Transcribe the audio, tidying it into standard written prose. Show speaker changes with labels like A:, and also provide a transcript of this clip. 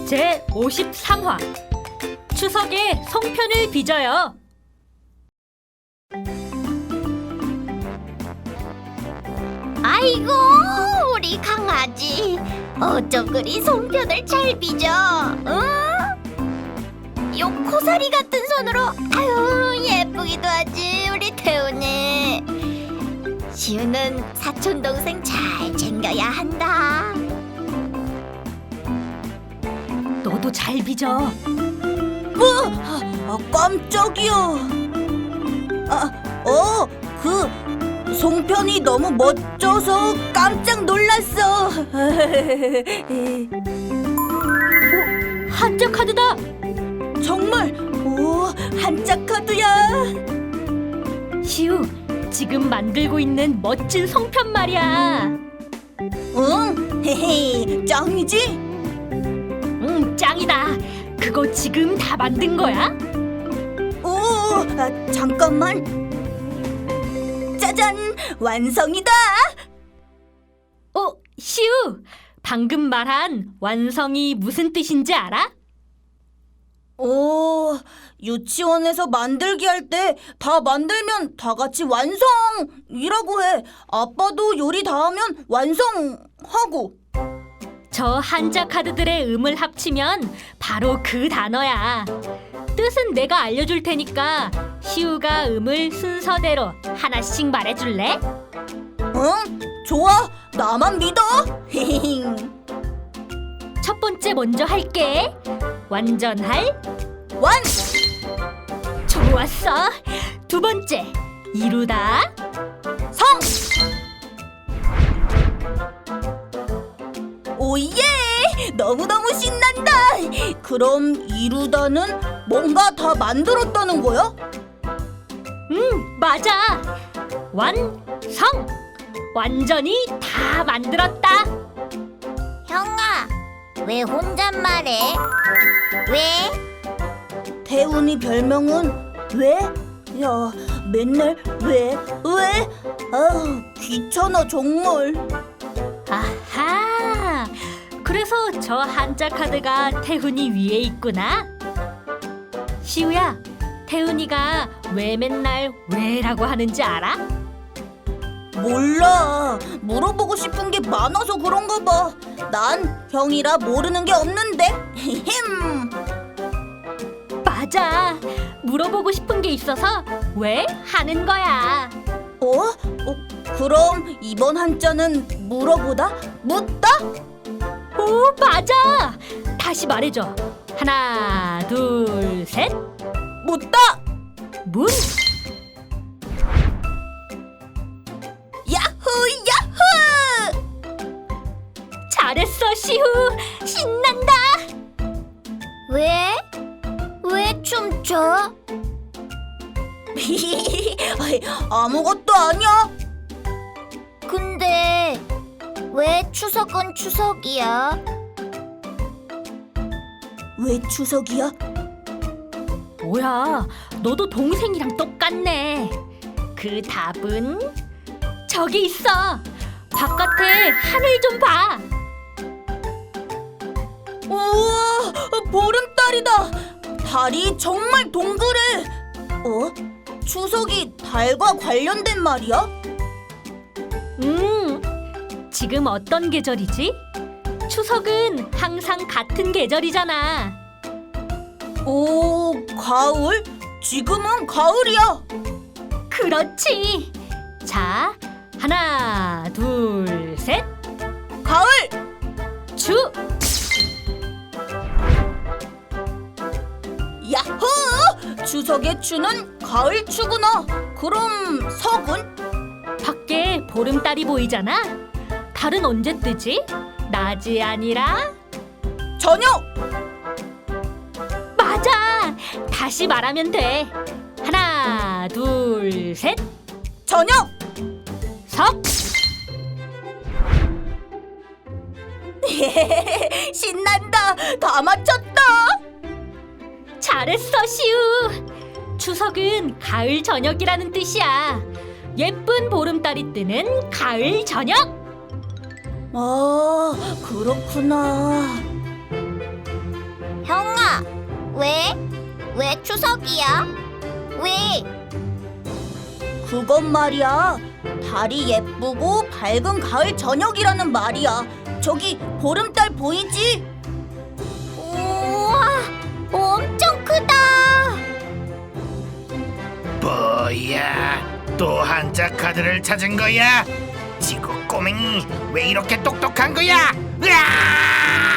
A: 제53화 추석에 송편을 빚어요.
B: 아이고, 우리 강아지 어쩜 그리 송편을 잘 빚어, 응? 요 코사리 같은 손으로 아유 예쁘기도 하지 우리 태훈이. 시우는 사촌동생 잘 챙겨야 한다.
A: 너도 잘 빚어.
C: 깜짝이야. 그 송편이 너무 멋져서 깜짝 놀랐어.
A: 한자 카드다.
C: 정말? 오, 한자 카드야.
A: 시우, 지금 만들고 있는 멋진 송편 말이야.
C: 응, 헤헤, 짱이지?
A: 응, 짱이다. 그거 지금 다 만든 거야?
C: 오, 잠깐만. 짜잔, 완성이다.
A: 시우, 방금 말한 완성이 무슨 뜻인지 알아?
C: 오, 유치원에서 만들기 할 때 다 만들면 다 같이 완성이라고 해. 아빠도 요리 다 하면 완성하고.
A: 저 한자 카드들의 음을 합치면 바로 그 단어야. 뜻은 내가 알려줄 테니까 시우가 음을 순서대로 하나씩 말해줄래?
C: 응? 좋아, 나만 믿어.
A: 첫 번째 먼저 할게. 완전할.
C: 완!
A: 좋았어. 두 번째, 이루다.
C: 성! 오예! 너무너무 신난다! 그럼 이루다는 뭔가 다 만들었다는 거야?
A: 맞아. 완성. 완전히 다 만들었다.
B: 형아, 왜 혼잣말해? 왜?
C: 태훈이 별명은 왜? 야, 맨날 왜? 아우, 귀찮아 정말.
A: 아하. 그래서 저 한자 카드가 태훈이 위에 있구나. 시우야, 태훈이가 왜 맨날 왜라고 하는지 알아?
C: 몰라. 물어보고 싶은 게 많아서 그런가 봐. 난 형이라 모르는 게 없는데. 햄.
A: 맞아. 물어보고 싶은 게 있어서 왜 하는 거야.
C: 그럼 이번 한자는 물어보다? 묻다?
A: 오, 맞아. 다시 말해줘. 하나, 둘, 셋.
C: 묻다!
A: 문.
C: 야호 야호!
A: 잘했어, 시우. 신난다.
B: 왜? 왜 춤춰?
C: 아무것도 아니야.
B: 근데 왜 추석은 추석이야?
C: 왜 추석이야?
A: 뭐야, 너도 동생이랑 똑같네. 그 답은 저기 있어. 바깥에 하늘 좀 봐.
C: 우와, 보름달이다. 달이 정말 동그래. 추석이 달과 관련된 말이야?
A: 지금 어떤 계절이지? 추석은 항상 같은 계절이잖아.
C: 오, 가을? 지금은 가을이야.
A: 그렇지. 자, 하나, 둘, 셋.
C: 가을!
A: 주.
C: 야호! 추석의 추는 가을 추구나. 그럼 석은?
A: 밖에 보름달이 보이잖아. 달은 언제 뜨지? 낮이 아니라?
C: 저녁!
A: 맞아. 다시 말하면 돼. 하나, 둘, 셋.
C: 저녁!
A: 석.
C: 신난다. 다 맞췄다.
A: 잘했어, 시우. 추석은 가을 저녁이라는 뜻이야. 예쁜 보름달이 뜨는 가을 저녁.
C: 아, 그렇구나.
B: 추석이야? 왜?
C: 그건 말이야. 달이 예쁘고 밝은 가을 저녁이라는 말이야. 저기 보름달 보이지?
B: 우와, 엄청 크다.
D: 뭐야? 또 한자 카드를 찾은 거야? 지구 꼬맹이 왜 이렇게 똑똑한 거야? 으아!